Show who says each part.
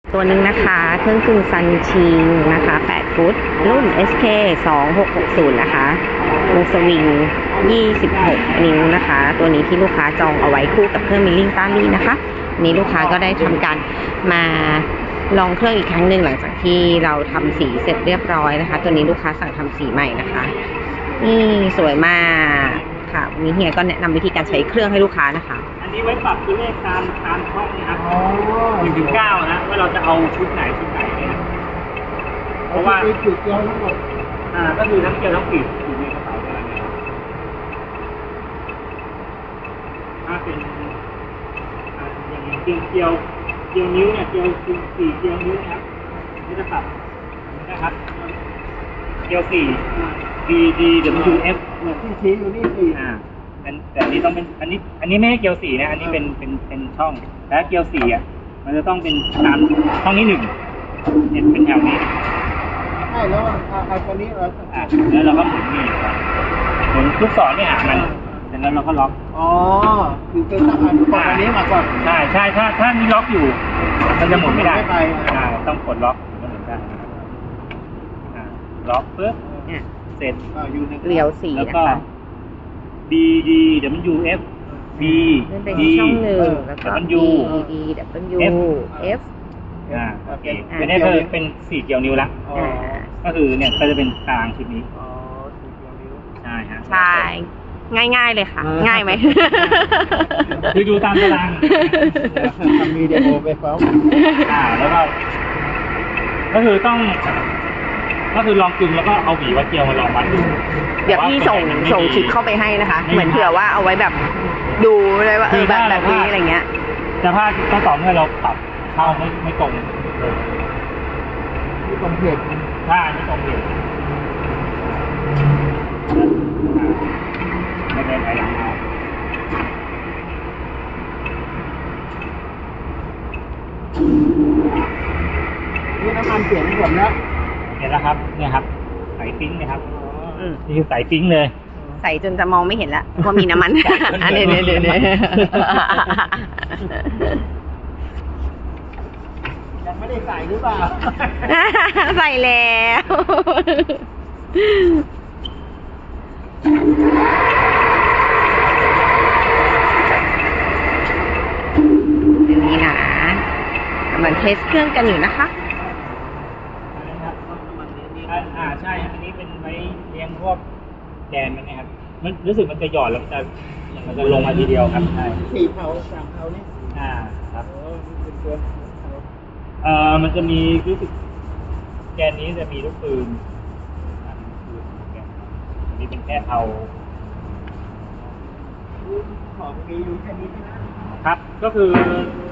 Speaker 1: ตัวหนึ่งนะคะเครื่องกึ่งซันชิงนะคะ8ฟุตรุ่น SK 2660นะคะวงสวิง26นิ้วนะคะ ตัวนี้ที่ลูกค้าจองเอาไว้คู่กับเครื่องมิลลิ่งต้าลี่นะคะนี้ลูกค้าก็ได้ทำการมาลองเครื่องอีกครั้งหนึ่งหลังจากที่เราทำสีเสร็จเรียบร้อยนะคะตัวนี้ลูกค้าสั่งทำสีใหม่นะคะนี่สวยมากค่ะวันนี้เฮียก็แนะนำวิธีการใช้เครื่องให้ลูกค้านะคะ
Speaker 2: อันนี้ไว้ปรับตัวเลขตามช่องนะครับ1 ถึง 9นะว่าเราจะเอาชุดไหนเนี่ยเพราะว่า
Speaker 3: จุดเดียวทั้งหมด
Speaker 2: ก็คือทั้งเกลียวทั้งปีกอยู่ในกระเป๋าเท่านั้นนะครับถ้าเป็นอย่างเกลียวนิ้วเนี่ยเกลียว4เกลียวนิ้วนะครับนี่จะปรับนะครับเกลียว4 D W F
Speaker 3: ที่ชี้อยู่นี่สี่
Speaker 2: แต่อันนี้ต้องเป็นอันนี้ไม่ใช่เกลียว4นะอันนี้เป็นช่องแต่เกลียว4มันจะต้องเป็นตามช่องนี้1เนี่ยเป็นแถวนี้
Speaker 3: ใช่แล้วไอ้ตัวนี้เรา
Speaker 2: แล้วเราก็หมุนนี่หมุนลูกศรเนี่ยมันเสร็จแล้วเราก็ล็อก
Speaker 3: คือเป็นต้องอันนี้มาก่อน
Speaker 2: ใช่ถ้ามีล็อกอยู่มันจะหมุนไม่ได้ต้องกดล็อกถึงจะหมุนได้ล็อกปุ๊บเสร็จ
Speaker 1: เกลียว4
Speaker 2: แล้วก็
Speaker 1: นะคะ
Speaker 2: B D W F B
Speaker 1: เป็น
Speaker 2: D
Speaker 1: ช่องหนึ่งแล้วก็
Speaker 2: W
Speaker 1: D W F
Speaker 2: โอเคอันนี้คือเป็น4เกลียวนิ้วละก็คือเนี่ยก็จะเป็นตารางชุดนี้ใช่ฮะ
Speaker 1: ใช่ง่ายๆเลยค่ะง่ายไหม
Speaker 2: คือดูตามตาราง
Speaker 3: ทำวิดีโอไปฟ้อง
Speaker 2: แล้วก็คือต้องก็คือลองกึ่งแล้วก็เอาหวีวัดเกลียวมาลองวัดดู
Speaker 1: เดี๋ยวพี่ส่งชุดเข้าไปให้นะคะเหมือนเผื่อว่าเอาไว้แบบดูเลยว่าแบบนี้อะไรเงี้ย
Speaker 2: แต่ถ้าต้องต่อเมื่อเราปรับเข้าไม่ตรง
Speaker 3: ที่ตรงเพจ
Speaker 2: ถ้าไม่ตรงเพจไม่เป็นไรหลังเอา
Speaker 3: นี่น้ำมันเปลี่ยนหมดแล้ว
Speaker 2: เห็นแล้วครับเนี่ยครับใส่ปิ้งนะครับนี่คือใส่ปิ้งเลย
Speaker 1: ใส่จนจะมองไม่เห็นแล้วว่ามีน้ำมันอันนี้
Speaker 3: ยังไม่ได้ใส่หรือเปล่า
Speaker 1: ใส่แล้วเดี๋ยวนี้นะกำลังเทสเครื่องกันอยู่นะคะ
Speaker 2: ใช่อันนี้เป็นไว้เลี้ยงพวกแดนมันนะครับมันรู้สึกมันจะหย่อนแล้วมันจะลงมาทีเดียวครับใช่
Speaker 3: 4 เผา3 เผานี่
Speaker 2: ครับ
Speaker 3: เป็นตัว
Speaker 2: มันจะมีรู้สึกแกนนี้จะมีลูกปืนอันนี้เป็นแค่เอา
Speaker 3: ของมีอยู่แค่นี้
Speaker 2: ครับก็คือ